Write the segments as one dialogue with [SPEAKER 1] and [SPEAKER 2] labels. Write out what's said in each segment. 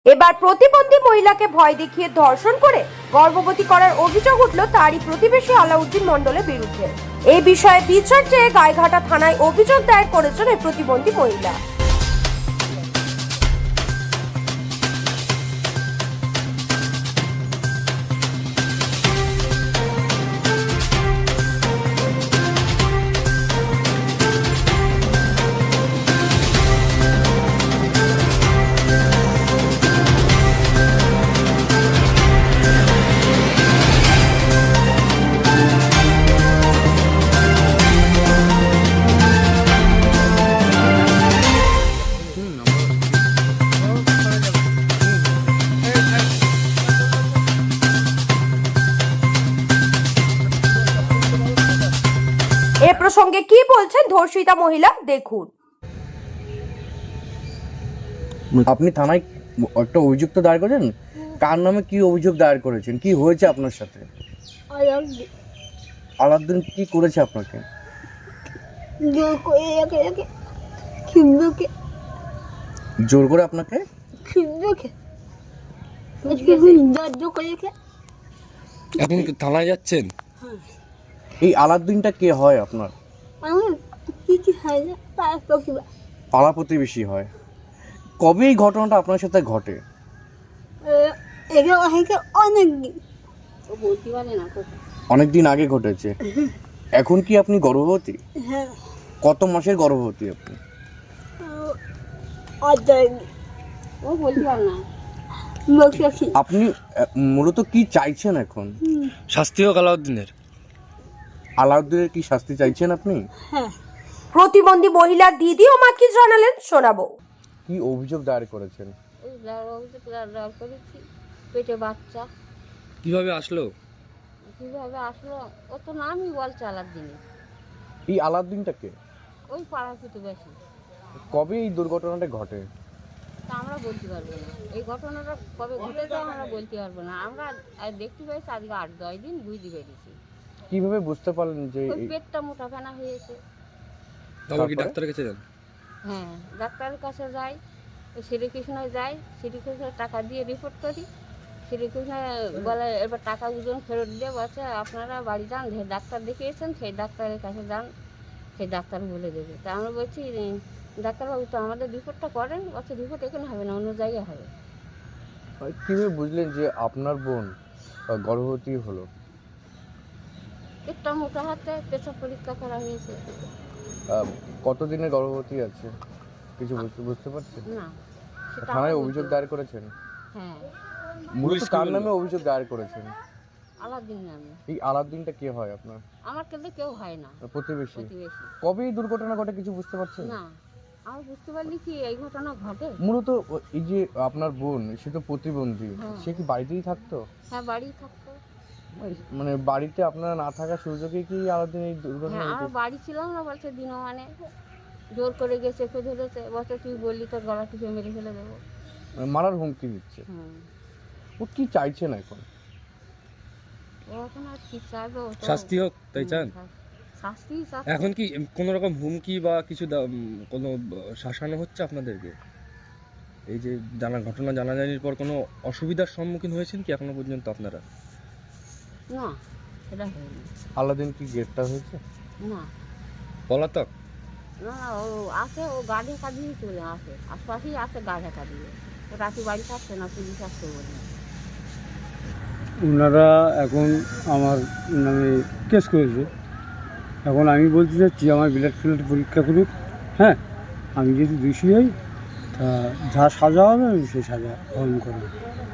[SPEAKER 1] এবার প্রতিবন্ধী মহিলাকে ভয় দেখিয়ে ধর্ষণ করে গর্ভবতী করার অভিযোগ উঠল তারই প্রতিবেশী আলাউদ্দিন মণ্ডলের বিরুদ্ধে। এই বিষয়ে বিচার চেয়ে গাইঘাটা থানায় অভিযোগ দায়ের করেছেন এই প্রতিবন্ধী মহিলা। এ প্রসঙ্গে কি বলছেন ধর্ষিতা মহিলা দেখুন।
[SPEAKER 2] আপনি থানায় একটা অভিযোগ তো দায়ের করেছেন, কার নামে কি অভিযোগ দায়ের করেছেন, কি হয়েছে আপনার সাথে? আলাউদ্দিন কি করেছে আপনাকে? জোর করে আপনাকে
[SPEAKER 3] এখন কি থানায় যাচ্ছেন?
[SPEAKER 2] এই আলাউদ্দিনটা কে হয় আপনার? পাড়া প্রতিবেশী হয়। কবে এই ঘটনাটা আপনার সাথে ঘটে? অনেকদিন আগে ঘটেছে। এখন কি আপনি গর্ভবতী? কত মাসের গর্ভবতী আপনি? আপনি মূলত কি চাইছেন এখন?
[SPEAKER 3] শাস্তি হোক আলাউদ্দিনের।
[SPEAKER 2] আলাউদ্দিনের কি শাস্তি চাইছেন আপনি?
[SPEAKER 1] প্রতিবন্ধী মহিলা দিদি ও মা কি জানালেন শোনাবো।
[SPEAKER 2] কি অভিযোগ দায়ের করেছেন?
[SPEAKER 4] পেটে বাচ্চা
[SPEAKER 3] কিভাবে আসলো?
[SPEAKER 4] ও তো নামই বলছে আলাউদ্দিনে।
[SPEAKER 2] এই আলাউদ্দিনটাকে
[SPEAKER 4] ওই পাড়ার প্রতিবেশী।
[SPEAKER 2] কবে এই দুর্ঘটনাটা ঘটে?
[SPEAKER 4] তা আমরা বলতে পারবো না, এই ঘটনাটা কবে ঘটেছে আমরা বলতে পারবো না। আমরা দেখতে পেয়েছি আজকে 8-10 দিন বুঝতে পেরেছি।
[SPEAKER 2] কিভাবে বুঝতে পারলেন যে
[SPEAKER 4] ওই পেটটা মোটা ফেনা হয়েছে?
[SPEAKER 3] তারপর কি ডাক্তারের কাছে যান?
[SPEAKER 4] হ্যাঁ, ডাক্তারের কাছে যাই, ওই শ্রীকৃষ্ণয় যাই, শ্রীকৃষ্ণের টাকা দিয়ে রিপোর্ট করি। শ্রীকৃষ্ণ বলে এবার টাকা ওজন ফেরত দিয়ে বলছে আপনারা বাড়ি যান, যে ডাক্তার দেখিয়েছেন সেই ডাক্তারের কাছে যান, সেই ডাক্তার বলে দেবে। তা আমরা বলছি ডাক্তারবাবু তো আমাদের রিপোর্টটা করেন। বলছে রিপোর্ট এখানে হবে না, অন্য জায়গায় হবে।
[SPEAKER 2] কিভাবে বুঝলেন যে আপনার বোন গর্ভবতী হলো?
[SPEAKER 4] একটা মোটা হাতে পেশাব পরীক্ষা করা হয়েছে।
[SPEAKER 2] কতদিনের গর্ভবতী আছে কিছু বুঝতে পারছেন
[SPEAKER 4] না, সেটা
[SPEAKER 2] থানায়
[SPEAKER 4] আমরা
[SPEAKER 2] অভিযোগ
[SPEAKER 4] বলতে-
[SPEAKER 2] দায়ের করেছেন?
[SPEAKER 4] হ্যাঁ,
[SPEAKER 2] মূলত কার নামে অভিযোগ দায়ের করেছেন?
[SPEAKER 4] আলাউদ্দিন নামে।
[SPEAKER 2] এই আলাউদ্দিনটা কে হয় আপনার?
[SPEAKER 4] আমার কিন্তু কেউ হয় না,
[SPEAKER 2] প্রতিবেশী।
[SPEAKER 4] প্রতিবেশী।
[SPEAKER 2] কবে এই দুর্ঘটনা ঘটে কিছু বুঝতে পারছেন?
[SPEAKER 4] না, আমি বুঝতে পারলি কি এই ঘটনা ঘটে।
[SPEAKER 2] মূলত এই যে আপনার বোন, সে তো প্রতিবন্ধী,
[SPEAKER 4] হ্যাঁ।
[SPEAKER 2] সে কি বাড়িতেই থাকতো?
[SPEAKER 4] হ্যাঁ, বাড়ি থাকতো।
[SPEAKER 2] মানে বাড়িতে আপনারা না থাকার সুযোগে কি আলাউদ্দিন এই দুর্ঘটনা
[SPEAKER 4] হ্যাঁ, আমরা
[SPEAKER 2] ঘটেছে?
[SPEAKER 4] বাড়ি ছিলাম না, বলছে দিনমানে জোর করে গিয়ে চেপে ধরেছে। বলছে তুই বললি তোর গলা টিপে মেরে ফেলে দেবো।
[SPEAKER 2] মানে মারার হুমকি দিচ্ছে।
[SPEAKER 4] হুম,
[SPEAKER 2] ও কি চাইছেন এখন?
[SPEAKER 4] ও এখন আর কি চাইবে? ও তো-
[SPEAKER 3] শাস্তি হোক তাই চান?
[SPEAKER 4] শাস্তি চাচ্ছে।
[SPEAKER 3] এখন কি কোনো রকম হুমকি বা কিছু কোনো শাসানো হচ্ছে আপনাদেরকে? এই যে ঘটনা জানাজানির পর কোনো অসুবিধার সম্মুখীন হয়েছেন কি এখনো পর্যন্ত আপনারা?
[SPEAKER 4] না, সেটা হয়নি।
[SPEAKER 2] আলাউদ্দিন কি গ্রেফতার হয়েছে?
[SPEAKER 4] না
[SPEAKER 3] পলাতক?
[SPEAKER 4] না, ও আসে, ও গাড়ি কাঁদিয়ে চলে আসে, আশপাশেই আসে গাড়ি কাঁদিয়ে। ও রাতে বাড়ি থাকছে না, পুলিশ আসছে বলে।
[SPEAKER 5] ওনারা এখন আমার নামে কেস করেছে। এখন আমি বলতে চাচ্ছি আমার ব্লাড ফ্লাড পরীক্ষা করুক। হ্যাঁ, আমি যদি দোষী হই তা যা সাজা হবে আমি সেই সাজা গ্রহণ করব।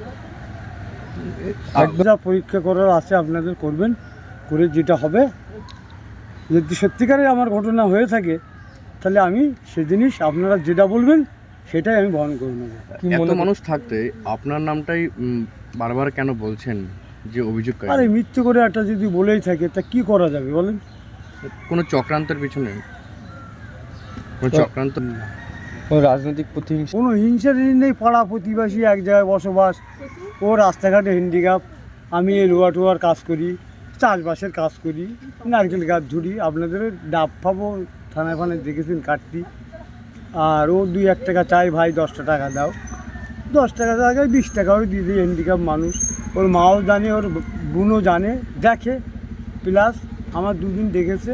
[SPEAKER 5] যা পরীক্ষা করার আছে আপনাদের করবেন, করে যেটা হবে, যদি সত্যিকারে আমার ঘটনা হয়ে থাকে তাহলে আমি সে জিনিস আপনারা যেটা বলবেন সেটাই আমি বহন করে নেব।
[SPEAKER 2] এত মানুষ থাকতে আপনার নামটাই বারবার কেন বলছেন যে অভিযোগকারী?
[SPEAKER 5] আরে মৃত্যু করে একটা যদি বলেই থাকে তা কি করা যাবে বলেন?
[SPEAKER 2] কোনো চক্রান্তের পিছনে? কোনো চক্রান্ত?
[SPEAKER 3] রাজনৈতিক প্রতিহিংসা?
[SPEAKER 5] কোনো হিংসা নেই, পাড়া প্রতিবেশী এক জায়গায় বসবাস। ও রাস্তাঘাটে হ্যান্ডিক্যাপ, আমি এই লোয়া টোয়ার কাজ করি, চাষবাসের কাজ করি, নারকেল গাছ ঝুড়ি, আপনাদের ডাব ফাবো থানায় ফানায় দেখেছেন কাটতি। আর ও 2-1 টাকা চাই, ভাই 10টা টাকা দাও। 10 টাকা জায়গায় 20 টাকাও দিয়ে দিই। হ্যান্ডিক্যাপ মানুষ, ওর মাও জানে, ওর বোনও জানে, দেখে। প্লাস আমার দুদিন দেখেছে,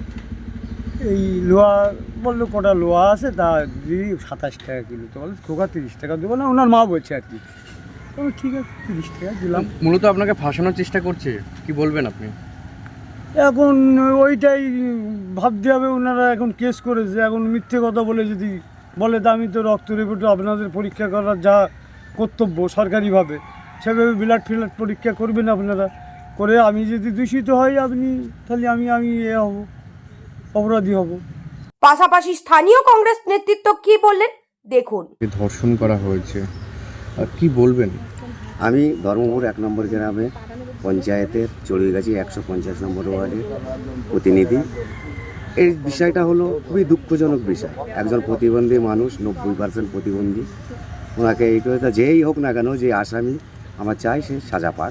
[SPEAKER 5] এই লোহা বললো কটা লোহা আছে, তা দিদি 27 টাকা কিলো। তো বলে খোকা 30 টাকা দেবো না, ওনার মা বলছে আর কি। তো ঠিক আছে 30 টাকা দিলাম।
[SPEAKER 2] মূলত আপনাকে ফাঁসানোর চেষ্টা করছে, কি বলবেন আপনি?
[SPEAKER 5] এখন ওইটাই ভাবতে হবে, ওনারা এখন কেস করেছে, এখন মিথ্যে কথা বলে যদি বলে তা আমি তো রক্ত রিপোর্ট আপনাদের পরীক্ষা করার যা কর্তব্য সরকারিভাবে সেভাবে ব্লাড ফিলাড পরীক্ষা করবেন আপনারা, করে আমি যদি দূষিত হই আপনি তাহলে আমি হব, অপরাধী হব।
[SPEAKER 1] পাশাপাশি স্থানীয় কংগ্রেস নেতৃত্ব কি বললেন দেখুন।
[SPEAKER 2] ধর্ষণ করা হয়েছে, আর কি বলবেন?
[SPEAKER 6] আমি ধর্মপুর 1 নম্বর গ্রামে পঞ্চায়েতের চড়ুইগাছি 150 নম্বর ওয়ার্ডের প্রতিনিধি। এই বিষয়টা হলো খুবই দুঃখজনক বিষয়। একজন প্রতিবন্ধী মানুষ, 90% প্রতিবন্ধী, ওনাকে এই কথা যেই হোক না কেন, যে আসামি, আমার চাই সে সাজা পাক।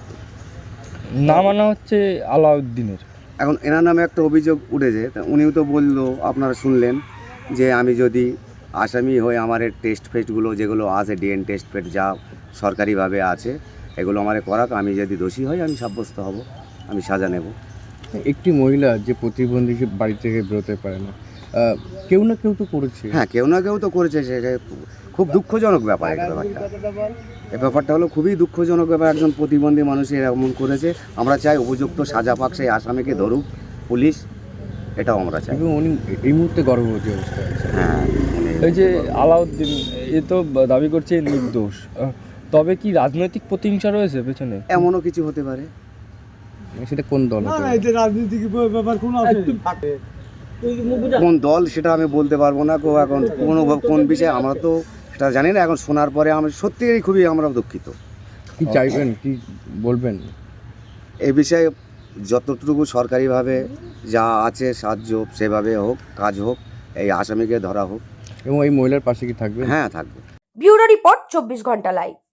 [SPEAKER 3] নাম আনা হচ্ছে আলাউদ্দিনের।
[SPEAKER 6] এখন এনার নামে একটা অভিযোগ উঠেছে, তা উনিও তো বললো, আপনারা শুনলেন, যে আমি যদি আসামি হই আমার টেস্ট ফেস্টগুলো যেগুলো আছে, ডিএন টেস্ট ফেস্ট যা সরকারিভাবে আছে, এগুলো আমারে করাক, আমি যদি দোষী হই আমি সাব্যস্ত হব, আমি সাজা নেব।
[SPEAKER 2] একটি মহিলা যে প্রতিবন্ধী, সে বাড়ি থেকে বেরোতে পারে না, কেউ না কেউ তো করেছে।
[SPEAKER 6] হ্যাঁ, কেউ না কেউ তো করেছে, সেটা খুব দুঃখজনক ব্যাপার। এই ব্যাপারটা হলো খুবই দুঃখজনক ব্যাপার, একজন প্রতিবন্ধী মানুষ এরকম করেছে। আমরা চাই উপযুক্ত সাজা পাক, সেই আসামিকে ধরুক পুলিশ, এটাও আমরা চাই।
[SPEAKER 2] এবং উনি এই মুহূর্তে গর্ভবতী অবস্থায় আছে।
[SPEAKER 6] হ্যাঁ,
[SPEAKER 3] এই যে আলাউদ্দিন, এ তো দাবি করছে নির্দোষ, তবে কি রাজনৈতিক প্রতিহিংসা রয়েছে পেছনে?
[SPEAKER 6] এমনও কিছু হতে পারে।
[SPEAKER 2] সেটা কোন দল
[SPEAKER 5] না
[SPEAKER 2] হতে
[SPEAKER 5] না,
[SPEAKER 2] পারে?
[SPEAKER 5] এতে রাজনীতিক ব্যাপার কোনো আছে?
[SPEAKER 6] কোন দল সেটা আমি বলতে পারবো না, এখন কোন বিষয়ে আমরা তো সেটা জানি না। এখন শোনার পরে আমি সত্যিই খুবই আমরা দুঃখিত।
[SPEAKER 2] কি চাইবেন, কি বলবেন?
[SPEAKER 6] এই বিষয়ে যতটুকু সরকারিভাবে যা আছে সাহায্য, সেভাবে হোক, কাজ হোক, এই আসামিকে ধরা হোক।
[SPEAKER 2] এবং এই মহিলার পাশে কি থাকবে?
[SPEAKER 6] হ্যাঁ, থাকবে।
[SPEAKER 1] ব্যুরো রিপোর্ট 24 ঘন্টা লাইভ।